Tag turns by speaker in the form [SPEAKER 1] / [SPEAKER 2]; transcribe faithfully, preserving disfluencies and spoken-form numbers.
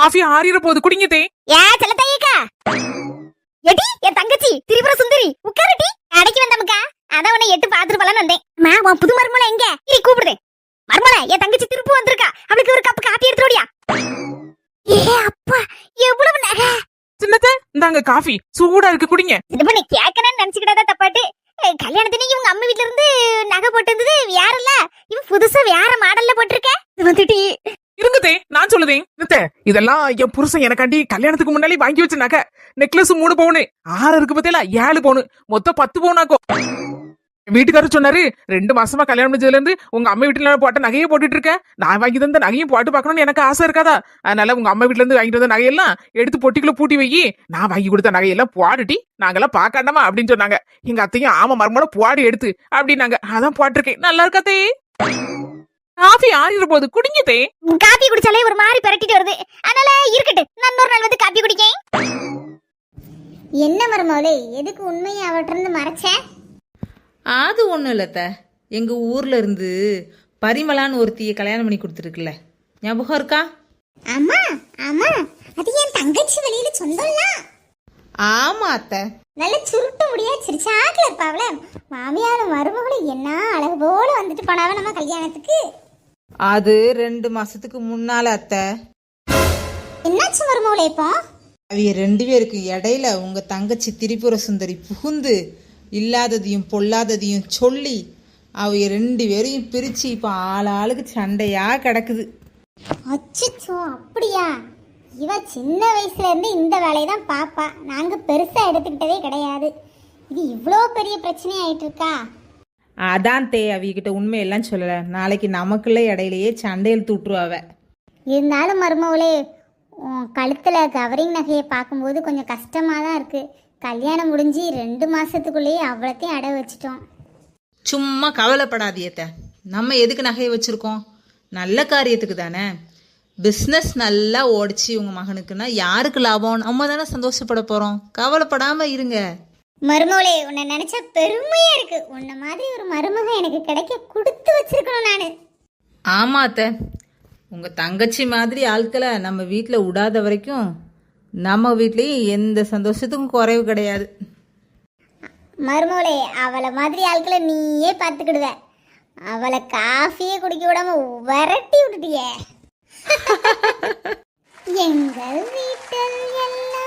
[SPEAKER 1] Coffee ஆறிற போது குடிங்கதே.
[SPEAKER 2] ஏ செல்லத்தையக்கா, eddy என் தங்கச்சி திரிபுர சுந்தரி உட்காரடி. அடைக்கி வந்தமுக்கா, அதான் உன்னை எட்டு பாத்துட்டு போலான்னு வந்தேன். மா உன் புது மருமலை எங்க? இரு கூப்பிடுதேன். மருமலை, என் தங்கச்சி திருப்பு வந்திருக்கா, அவளுக்கு ஒரு கப் காப்பி எடுத்துடியா. ஏ அப்பா, எவ்வளவு நகை.
[SPEAKER 1] சின்னத்த இந்தாங்க காஃபி, சூடா இருக்கு குடிங்க.
[SPEAKER 2] இது பண்ணி கேட்கணும்னு நினைச்சுக்கிட்டா தப்பாட்டு. கல்யாணத்துக்கு இவங்க அம்மா வீட்டுல இருந்து நகை போட்டு வேற இல்ல, இவன் புதுசா வேற மாடல்ல போட்டிருக்க. இது வந்துட்டு
[SPEAKER 1] இருங்கதே, நான் சொல்லுதேன். இதெல்லாம் என் புருஷன் எனக்காண்டி கல்யாணத்துக்கு முன்னாடி வாங்கி வச்ச நகை. நெக்லஸ் மூணு பவுனு, ஆறு இருக்கு பத்தியில ஏழு பவுனு, மொத்தம் பத்து பவுனாக்கும். வீட்டுக்காரர் சொன்னாரு, ரெண்டு மாசமா கல்யாணம் முடிஞ்சதுல இருந்து உங்க அம்மா வீட்டுல போட்ட நகையை போட்டுட்டு இருக்க, நான் வாங்கி தந்த நகையும் போட்டு பாக்கணும்னு எனக்கு ஆசை இருக்காதா? அதனால உங்க அம்மா வீட்டுல இருந்து வாங்கிட்டு வந்த நகையெல்லாம் எடுத்து பொட்டிக்குள்ள பூட்டி வை, நான் வாங்கி கொடுத்த நகையெல்லாம் போட்டுட்டி நாங்கெல்லாம் பாக்காண்டாமா அப்படின்னு சொன்னாங்க. எங்க அத்தையும் ஆமா மருமோட போடி எடுத்து அப்படின்னாங்க. அதான் போட்டிருக்கேன். நல்லா இருக்காத்தே. காஃபி ஆறிற போது குடிங்கதே.
[SPEAKER 2] காப்பி குடிச்சாலே ஒரு மாதிரி பரட்டிட்டு வருது, அதனால இருக்கட்டு, நான் இன்னொரு நாள் வந்து காப்பி குடிக்கேன். என்ன மருமோளே, எதுக்கு உண்மையை அவட்ட இருந்து மறைச்ச?
[SPEAKER 3] அது ஒன்றும் இல்லத்த, எங்கள் ஊரில் இருந்து பரிமளான்னு ஒருத்தியை கல்யாணம் பண்ணி கொடுத்துருக்குல்ல, ஞாபகம் இருக்கா?
[SPEAKER 2] ஆமா ஆமா, அது என் தங்கச்சி வெளியில சொந்தம்லாம்.
[SPEAKER 3] ஆமா அத்தை,
[SPEAKER 2] நல்ல சுருட்டு முடியா சிரிச்சாக்கல இருப்பாவல. மாமியாரும் மருமகளும் என்ன அழகு போல வந்துட்டு போனாவ நம்ம கல்யாணத்துக்கு.
[SPEAKER 3] அது ரெண்டு மாசத்துக்கு முன்னால அத்தை.
[SPEAKER 2] என்னாச்சு மருமகளே இப்போ?
[SPEAKER 3] அவைய ரெண்டு பேருக்கு இடையில உங்க தங்கச்சி திரிபுர சுந்தரி புகுந்து இல்லாததையும் பொல்லாததையும் சொல்லி அவைய ரெண்டு பேரையும் பிரிச்சு இப்போ ஆள் ஆளுக்கு சண்டையா கிடக்குது.
[SPEAKER 2] அச்சோ, அப்படியா? இவ சின்ன வயசுல இருந்து இந்த வேலையை தான் பாப்பா, நாங்க பெருசா எடுத்துக்கிட்டதே கிடையாது. இது இவ்வளோ பெரிய பிரச்சனை ஆயிட்டு இருக்கா?
[SPEAKER 3] அதான் தே, அவிகிட்ட உண்மையெல்லாம் சொல்லலை, நாளைக்கு நமக்குள்ள இடையிலேயே சண்டையில் தூட்டுருவாவ.
[SPEAKER 2] இருந்தாலும் மருமகளே, கழுத்துல கவரிங் நகையை பார்க்கும்போது கொஞ்சம் கஷ்டமா தான் இருக்கு. கல்யாணம் முடிஞ்சு ரெண்டு மாசத்துக்குள்ளேயே அவ்வளோத்தையும் அடை வச்சிட்டோம்.
[SPEAKER 3] சும்மா கவலைப்படாதியத்த, நம்ம எதுக்கு நகையை வச்சிருக்கோம்? நல்ல காரியத்துக்கு தானே. பிஸ்னஸ் நல்லா ஓடிச்சு உங்க மகனுக்குன்னா யாருக்கு லாபம்? நம்ம தானே சந்தோஷப்பட போறோம். கவலைப்படாம இருங்க
[SPEAKER 2] மருமகளே. உன்னை நினைச்சா பெருமையா இருக்கு. உன்ன மாதிரி ஒரு மருமக எனக்கு கிடைக்க கொடுத்து வச்சிருக்கணும் நானு.
[SPEAKER 3] ஆமா அத்தை, உங்க தங்கச்சி மாதிரி ஆட்களை நம்ம வீட்டில் விடாத வரைக்கும் நம்ம வீட்லேயும் எந்த சந்தோஷத்துக்கும் குறைவு கிடையாது.
[SPEAKER 2] மருமகளே, அவளை மாதிரி ஆட்களை நீயே பார்த்துக்கிடுவ. அவளை காஃபியே குடிக்க விடாம விரட்டி விட்டுட்டியே. எங்கள் வீட்டில் எல்லாம்